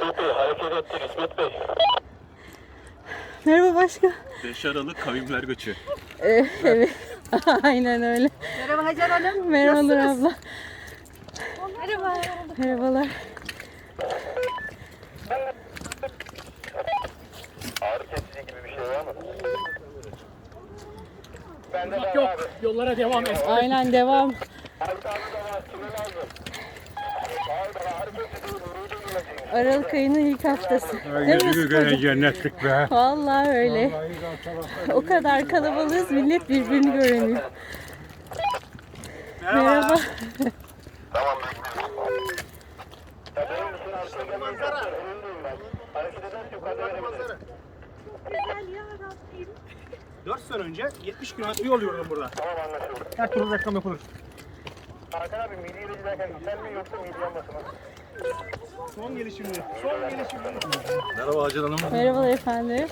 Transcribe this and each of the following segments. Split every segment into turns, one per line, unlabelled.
İsmet Bey hareket ettik İsmet Bey.
Merhaba başkan.
5 Aralık Kavimler Göçü.
Evet. Aynen öyle.
Merhaba Hacer Hanım.
Merhabalar abla.
Merhaba.
Merhabalar.
Ağrı kesici gibi bir şey var mı? Bende de
Yok,
abi.
yollara devam et.
Aynen devam.
Abi tane de var. Kime lazım? Abi ağrı kesici vuruyordum ilacını.
Aralık ayının ilk haftası. Değil mi Sıtkı'cığım?
Cennetlik be.
Vallahi öyle. O kadar kalabalığız, millet birbirini göremiyor. Merhaba.
Tamam bekliyorum. Ya benim için arkaya gelmeyi zaten önündeyim ben. Hareket ederse yukarıda verebilirim.
4 sene önce 70 kilometre yol yürüdüm burada.
Tamam anlaşıldı.
Her türlü reklam yapılır.
Hakan abi milli ilacı derken sen mi yoksa milli yanması mı?
Son gelişimli. Son gelişimli.
Merhaba Hacer Hanım.
Merhabalar efendim.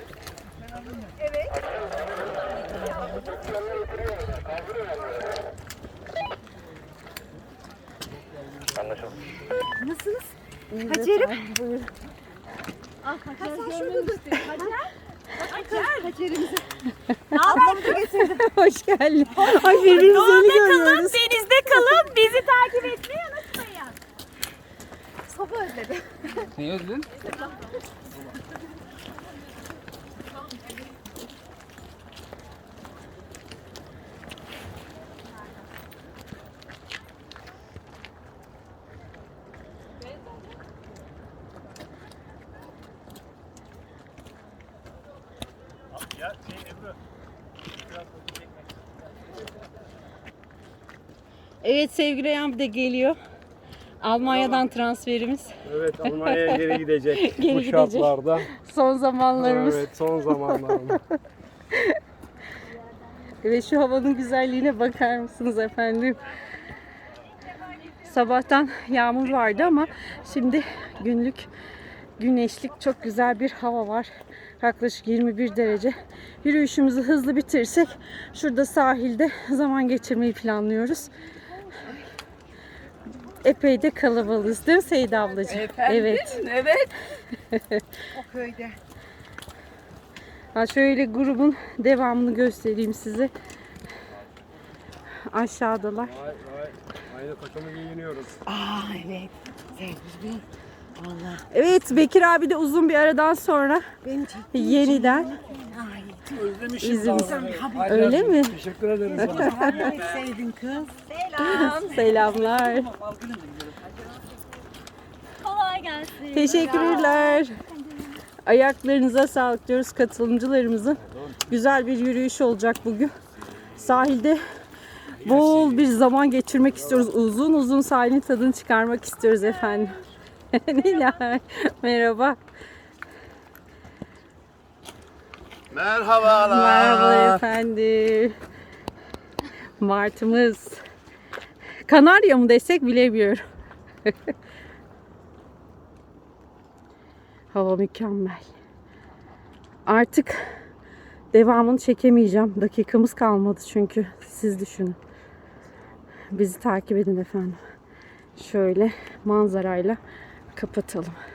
Anlaşıldı.
Nasılsınız?
İyiyiz
Hacer'im.
efendim, buyurun.
Hacer şurada göstereyim. Hacer. Hacer'imizi. Ablamı da getirdim.
Hoş geldin. Ay birbirimizi yeni görüyoruz.
Denizde kalın. Bizi takip etmeyi unutmayın. Soba özledim.
Neyi özledin?
Evet sevgili Reyhan de geliyor. Almanya'dan transferimiz.
Evet, Almanya'ya geri gidecek
Geri
bu
gidecek.
şartlarda.
Son zamanlarımız.
Evet, son zamanlarında.
Ve şu havanın güzelliğine bakar mısınız efendim? Sabahtan yağmur vardı ama şimdi günlük güneşlik çok güzel bir hava var. Yaklaşık 21 derece. Yürüyüşümüzü hızlı bitirirsek şurada sahilde zaman geçirmeyi planlıyoruz. Epey de kalabalığız değil mi Seyda ablacığım? Evet.
Evet. O köyde.
Ha şöyle grubun devamını göstereyim size. Aşağıdalar.
Aynı takımı giyiniyoruz.
Aa evet. Sevgili. Vallahi.
Evet Bekir abi de uzun bir aradan sonra
Benim
yeniden
Ay.
Özlemişim.
izimiz.
vallahi.
Öyle mi?
Teşekkür ederiz.
Ay sevdin kız.
Selamlar.
Kolay gelsin.
Teşekkürler. Ayaklarınıza sağlık diyoruz katılımcılarımızın. Güzel bir yürüyüş olacak bugün. Sahilde bol bir zaman geçirmek istiyoruz. Uzun uzun sahilin tadını çıkarmak istiyoruz efendim. Nilay, merhaba.
Merhabalar.
Merhaba efendim. Martımız. Kanarya mı desek bilemiyorum. Hava mükemmel. Artık devamını çekemeyeceğim. Dakikamız kalmadı çünkü. Siz düşünün. Bizi takip edin efendim. Şöyle manzarayla kapatalım.